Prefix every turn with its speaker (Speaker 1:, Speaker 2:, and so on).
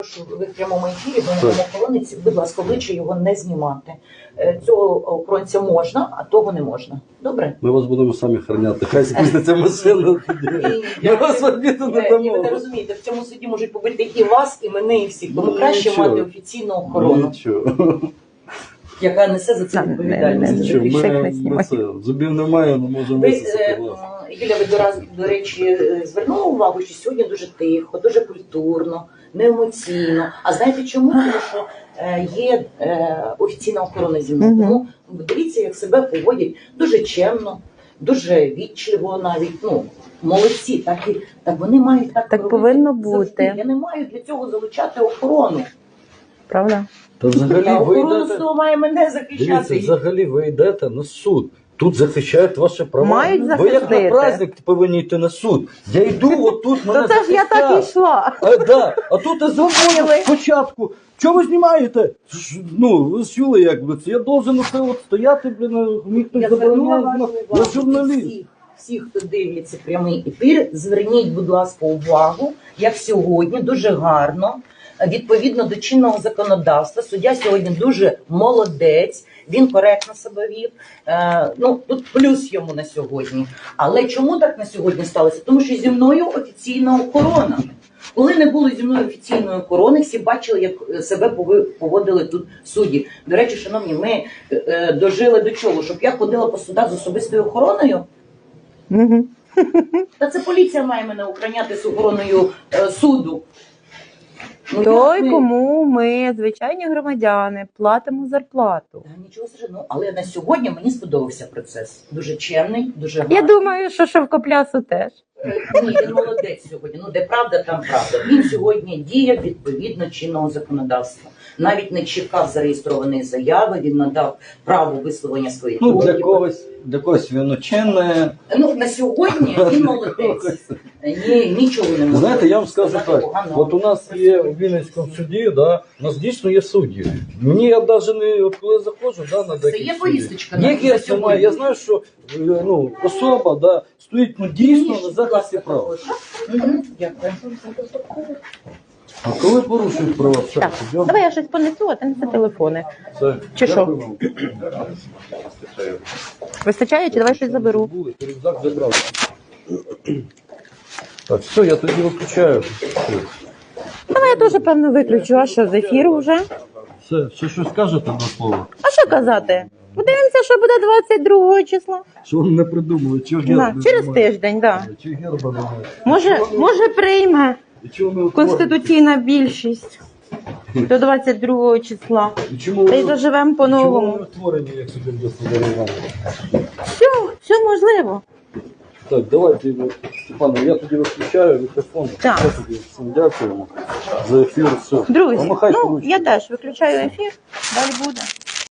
Speaker 1: Ви в прямому ефірі, ви на охоронець, будь ласка, обличчя його не знімати. Цього охоронця можна, а того не можна. Добре?
Speaker 2: Ми вас будемо самі охороняти. Хай спуститься машина тоді. Ми вас в обіду не
Speaker 1: Ні, ви не
Speaker 2: дамо.
Speaker 1: розумієте, в цьому суді можуть побити і вас, і мене, і всіх. Тому краще
Speaker 2: Нічого.
Speaker 1: мати офіційну охорону,
Speaker 2: Нічого.
Speaker 1: яка несе за це відповідальність.
Speaker 2: Нічого.
Speaker 3: Більше
Speaker 2: Ми
Speaker 3: не знімай.
Speaker 2: це, зубів немає, не можемо
Speaker 1: Ви,
Speaker 2: висосати глаз.
Speaker 1: Юля, ви до речі, звернули увагу, що сьогодні дуже тихо, дуже культурно, неемоційно. А знаєте чому? Тому що є офіційна охорона зі мною. Тому дивіться, як себе поводять дуже чемно, дуже вічливо навіть. Ну, молодці, так вони мають так робити
Speaker 3: повинно
Speaker 1: завжди.
Speaker 3: бути.
Speaker 1: Я не маю для цього залучати охорону.
Speaker 3: Правда?
Speaker 2: Та взагалі
Speaker 1: Я
Speaker 2: ви
Speaker 1: охорона
Speaker 2: йдете,
Speaker 1: судова має мене захищати.
Speaker 2: дивіться, взагалі ви йдете на суд. Тут захищають ваші права.
Speaker 3: Мають
Speaker 2: Ви як
Speaker 3: захистити.
Speaker 2: на праздник повинні йти на суд. Я йду, отут мене
Speaker 3: То це ж я так і
Speaker 2: захистять.
Speaker 3: йшла.
Speaker 2: А тут я
Speaker 3: Думали.
Speaker 2: заходжу спочатку. Чого ви знімаєте? Ну, ви ж чули, як би це. Я должен оце от стояти, блін, мені хтось
Speaker 1: Я звернула
Speaker 2: забороняє.
Speaker 1: вашу
Speaker 2: Я
Speaker 1: увагу.
Speaker 2: журналіст.
Speaker 1: Всіх, хто дивиться прямий ефір, зверніть, будь ласка, увагу, як сьогодні дуже гарно, відповідно до чинного законодавства. Суддя сьогодні дуже молодець, він коректно себе вів. Ну, тут плюс йому на сьогодні. Але чому так на сьогодні сталося? Тому що зі мною офіційна охорона. Коли не було зі мною офіційної охорони, всі бачили, як себе поводили тут судді. До речі, шановні, ми дожили до чого? Щоб я ходила по судах з особистою охороною?
Speaker 3: Угу.
Speaker 1: Та це поліція має мене охороняти з охороною суду. Ну,
Speaker 3: Той,
Speaker 1: як ми-
Speaker 3: кому ми, звичайні громадяни, платимо зарплату.
Speaker 1: Та нічого страшного. Але на сьогодні мені сподобався процес. Дуже чемний, дуже гарний.
Speaker 3: Я думаю, що Шовкоплясу теж.
Speaker 1: Ні, він молодець сьогодні. Ну, де правда, там правда. Він сьогодні діє відповідно чинного законодавства. Навіть не чекав зареєстрованої заяви, він надав право висловлення своїх
Speaker 2: Ну, для
Speaker 1: поглядів.
Speaker 2: когось він учене.
Speaker 1: Ну, на сьогодні він молодець. Ні, нічого не можу.
Speaker 2: Знаєте, я вам скажу
Speaker 1: сказати
Speaker 2: так,
Speaker 1: поганого.
Speaker 2: от у нас є в Вінницькому суді, да, у нас дійсно є судді. Мені я навіть не, от коли заходжу, да, на
Speaker 1: Це
Speaker 2: деякі
Speaker 1: є
Speaker 2: судді.
Speaker 1: повісточка
Speaker 2: Є
Speaker 1: на
Speaker 2: гест
Speaker 1: сьогодні?
Speaker 2: немає, я знаю, що ну, особа да, стоїть ну, дійсно
Speaker 1: Ні,
Speaker 2: на
Speaker 1: будь
Speaker 2: захисті
Speaker 1: ласка,
Speaker 2: прав.
Speaker 1: також. Мгм, дякую.
Speaker 2: А коли порушують права, все,
Speaker 3: Так,
Speaker 2: йдемо.
Speaker 3: давай я щось понесу, а ти неси телефони.
Speaker 2: Все.
Speaker 3: Чи що?
Speaker 2: Дякую вам.
Speaker 3: Вистачає, чи давай щось заберу?
Speaker 2: Забули, рюкзак забрав. Так, все, я тоді виключаю.
Speaker 3: Давай я теж, певно, виключу, а що, з ефіру вже?
Speaker 2: Все, ще щось скажете до слова?
Speaker 3: А що казати? Подивимося, що буде 22 числа.
Speaker 2: Що вони не придумали? Чого герба
Speaker 3: Да, через
Speaker 2: немає?
Speaker 3: тиждень, так. Да.
Speaker 2: Чи герба немає?
Speaker 3: Може прийме
Speaker 2: І чого ми
Speaker 3: конституційна більшість до 22 числа.
Speaker 2: І чому
Speaker 3: Та й
Speaker 2: ви-
Speaker 3: заживемо
Speaker 2: чому
Speaker 3: по-новому.
Speaker 2: ви створені, як собі Іванович?
Speaker 3: Все можливо.
Speaker 2: Так, давайте, Степане, я тоді виключаю мікрофон.
Speaker 3: Так.
Speaker 2: Все, тоді всім дякуємо за ефір. Все.
Speaker 3: Друзі,
Speaker 2: Помахайте
Speaker 3: ну
Speaker 2: ручкою.
Speaker 3: я теж виключаю ефір, далі буде.